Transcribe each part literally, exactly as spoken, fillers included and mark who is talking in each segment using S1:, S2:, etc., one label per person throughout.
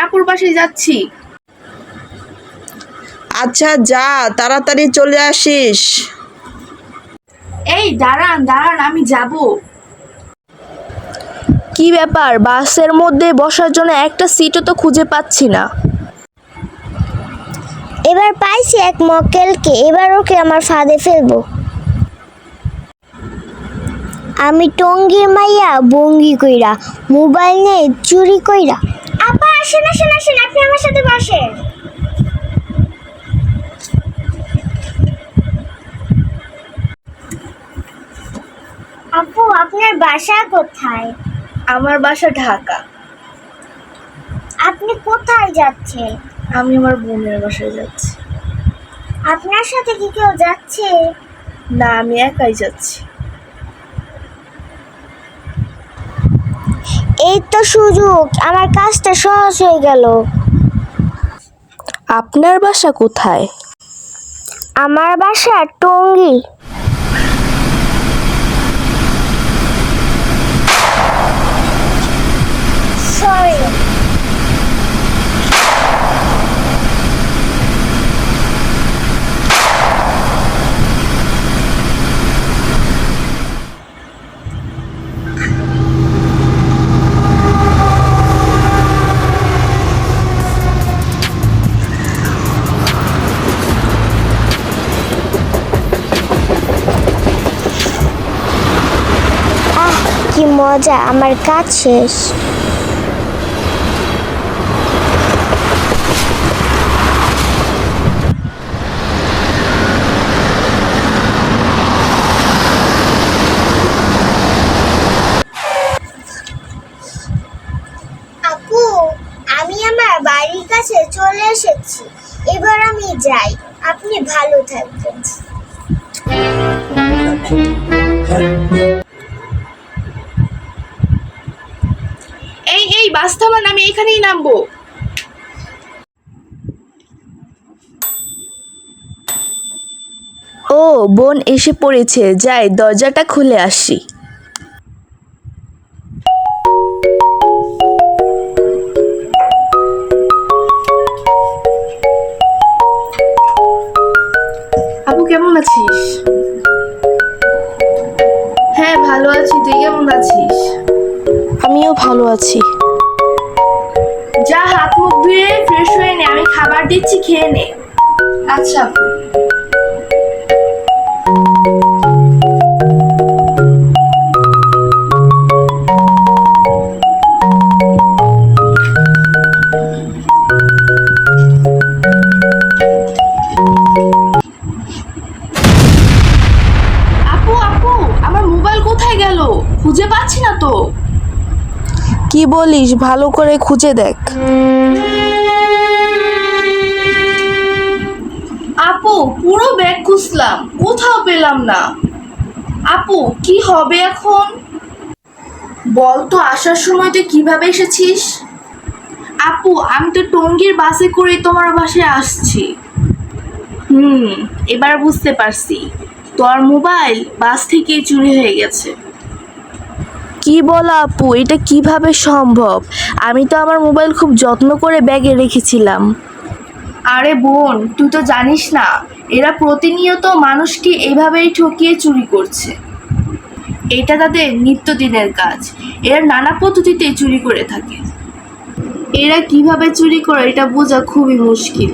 S1: আপুর বাসায় যাচ্ছি।
S2: আচ্ছা যা, তাড়াতাড়ি চলে আসিস।
S1: এই দাঁড়ান দাঁড়ান, আমি যাব।
S3: কি ব্যাপার, বাসের মধ্যে বসার জন্য একটা সিটও তো খুঁজে পাচ্ছি না।
S4: এবার পাইছি এক মক্কেলকে, এবার ওকে আমার ফাঁদে ফেলবো। আমি টঙ্গীর মাইয়া বঙ্গি কইরা, মোবাইল নিয়ে চুরি কইরা। আপা আসেন আসেন আসেন, আপনি আমার সাথে বসেন। আপু আপনার বাসা কোথায়?
S1: আমার বাসা ঢাকা।
S4: আপনি কোথায় যাচ্ছেন?
S1: আমি আমার বোনের বাসায় যাচ্ছি।
S4: আপনার সাথে কি কেউ যাচ্ছে?
S1: না, আমি একাই যাচ্ছি।
S4: এই তো সুযোগ, আমার কাজটা সহজ হয়ে গেল।
S3: আপনার বাসা কোথায়?
S4: আমার বাসা টঙ্গী। সরি। আহ কি মজা, আমার কাজ শেষ। আপু আমি আমার বাড়ির কাছে চলে এসেছি, এবার আমি যাই। আপনি ভালো থাকবেন।
S1: এই এই বাস থামান, আমি এখানেই নামবো।
S3: ও বোন এসে পড়েছে, যাই দরজাটা খুলে আসি।
S1: আপু কেমন আছিস? হ্যাঁ ভালো আছি, তুই কেমন আছিস?
S3: আমিও ভালো আছি।
S1: যা হাত মুখ ধুয়ে ফ্রেশ হয়ে নে, আমি খাবার দিচ্ছি, খেয়ে নে। আচ্ছা আপু। আপু আপু আমার মোবাইল কোথায় গেল? খুঁজে পাচ্ছি না তো।
S3: কি বলিস, ভালো করে খুঁজে দেখ।
S1: আপু পুরো ব্যাগ খুঁজলাম, কোথাও পেলাম না। আপু কি হবে এখন? বল তো, আসার সময় তুই কিভাবে এসেছিস? আপু আমি তো টঙ্গীর বাসে করে তোমার বাসায় আসছি। হুম, এবার বুঝতে পারছি, তোর মোবাইল বাস থেকেই চুরি হয়ে গেছে।
S3: কি বলো আপু, এটা কিভাবে সম্ভব? আমি তো আমার মোবাইল খুব যত্ন করে ব্যাগে রেখেছিলাম।
S1: আরে বোন, তুই তো জানিস না, এরা প্রতিনিয়ত মানুষকে এইভাবেই ঠকিয়ে চুরি করছে। এটা তাদের নিত্যদিনের কাজ। এরা নানা পদ্ধতিতে চুরি করে থাকে। এরা কিভাবে চুরি করে এটা বোঝা খুবই মুশকিল।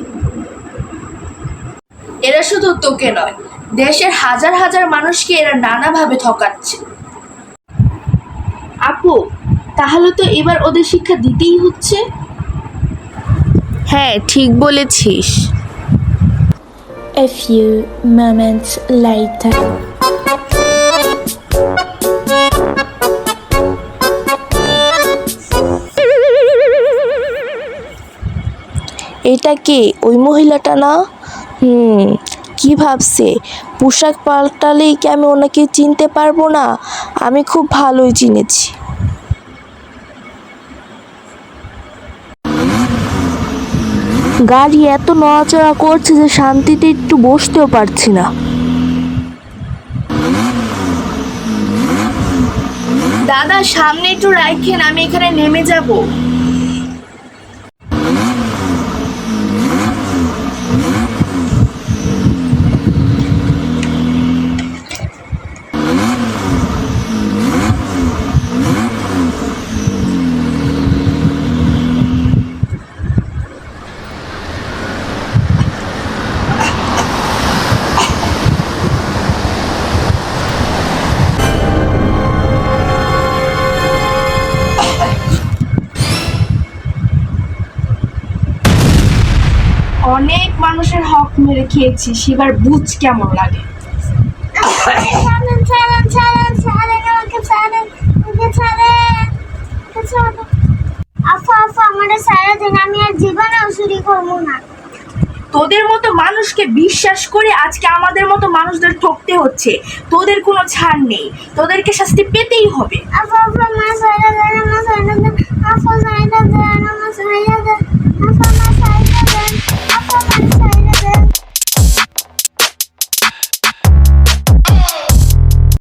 S1: এরা শুধু তোকে নয়, দেশের হাজার হাজার মানুষকে এরা নানাভাবে ঠকাচ্ছে। আপু তাহলে তো এবার ওদের শিক্ষা দিতেই হচ্ছে।
S3: হ্যাঁ ঠিক বলেছিস।
S5: A few moments later.
S3: এটা কে, ওই মহিলাটা না? হুম, কি ভাবছে? পোশাক পাল্টালেই কি আমি ওনাকে চিনতে পারবো না? আমি খুব ভালোই চিনেছি। গাড়ি এত নড়াচড়া করছে যে শান্তিতে একটু বসতেও পারছি না।
S1: দাদা সামনে একটু রাখেন, আমি এখানে নেমে যাব। মেরে খেয়েছিস, এবার বুঝ কেমন লাগে।
S4: ছাড়েন ছাড়েন ছাড়েন ছাড়েন আমাকে ছাড়েন আমাকে ছাড়েন আমাকে ছাড়েন। আপু আপু আমাদের সারা দিন, আমি আর জীবনেও চুরি করবো না।
S1: তোদের মতো মানুষকে বিশ্বাস করে আজকে আমাদের মতো মানুষদের ঠকতে হচ্ছে। তোদের কোনো ছাড় নেই, তোদেরকে শাস্তি পেতেই হবে।
S4: আপু আপু আমার সারা দিন, আমার সারা দিন, আপু সারা দিন আমার সারা